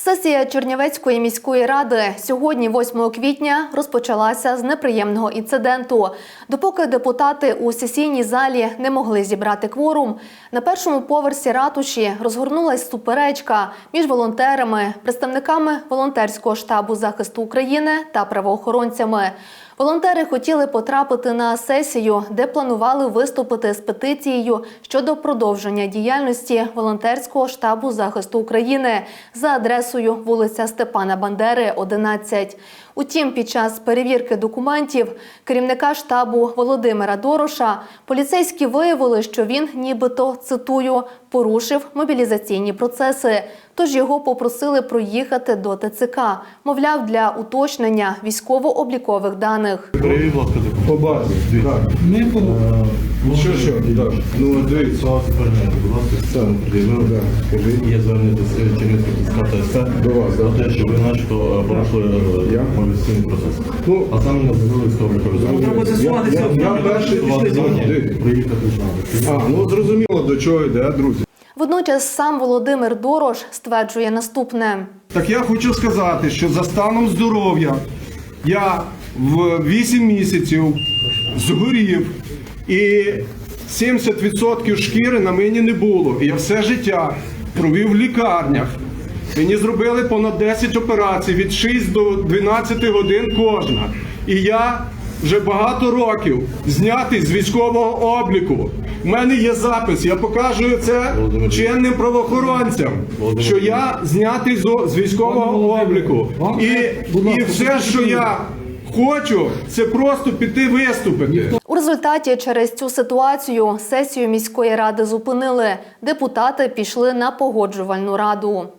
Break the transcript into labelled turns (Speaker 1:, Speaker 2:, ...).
Speaker 1: Сесія Чернівецької міської ради сьогодні, 8 квітня, розпочалася з неприємного інциденту. Допоки депутати у сесійній залі не могли зібрати кворум, на першому поверсі ратуші розгорнулась суперечка між волонтерами, представниками волонтерського штабу захисту України та правоохоронцями. Волонтери хотіли потрапити на сесію, де планували виступити з петицією щодо продовження діяльності волонтерського штабу захисту України за адресою вулиця Степана Бандери, 11. Утім, під час перевірки документів керівника штабу Володимира Дороша поліцейські виявили, що він нібито, цитую, порушив мобілізаційні процеси. Тож його попросили проїхати до ТЦК, мовляв, для уточнення військово-облікових даних.
Speaker 2: Привіт, будь ласка,
Speaker 3: по базі. Так. Що? Так. Ну, дивіться.
Speaker 2: Будь ласка, це пред'явили. Є звернення до Чернівецького ТСК
Speaker 3: До вас,
Speaker 2: про те, що ви начебто порушили мобілізаційний процес.
Speaker 3: Ну,
Speaker 2: а саме не зробили військово-облікові.
Speaker 3: Я перший
Speaker 2: приїхати знати.
Speaker 3: Ну, зрозуміло, до чого йде, друзі.
Speaker 1: Водночас сам Володимир Дорош стверджує наступне.
Speaker 3: Так я хочу сказати, що за станом здоров'я я в 8 місяців згорів і 70% шкіри на мені не було. І я все життя провів в лікарнях. Мені зробили понад 10 операцій від 6 до 12 годин кожна. І я вже багато років знятий з військового обліку. У мене є запис, я покажу це чинним правоохоронцям, що я знятий з військового обліку. І все, що я хочу, це просто піти виступити.
Speaker 1: У результаті через цю ситуацію сесію міської ради зупинили. Депутати пішли на погоджувальну раду.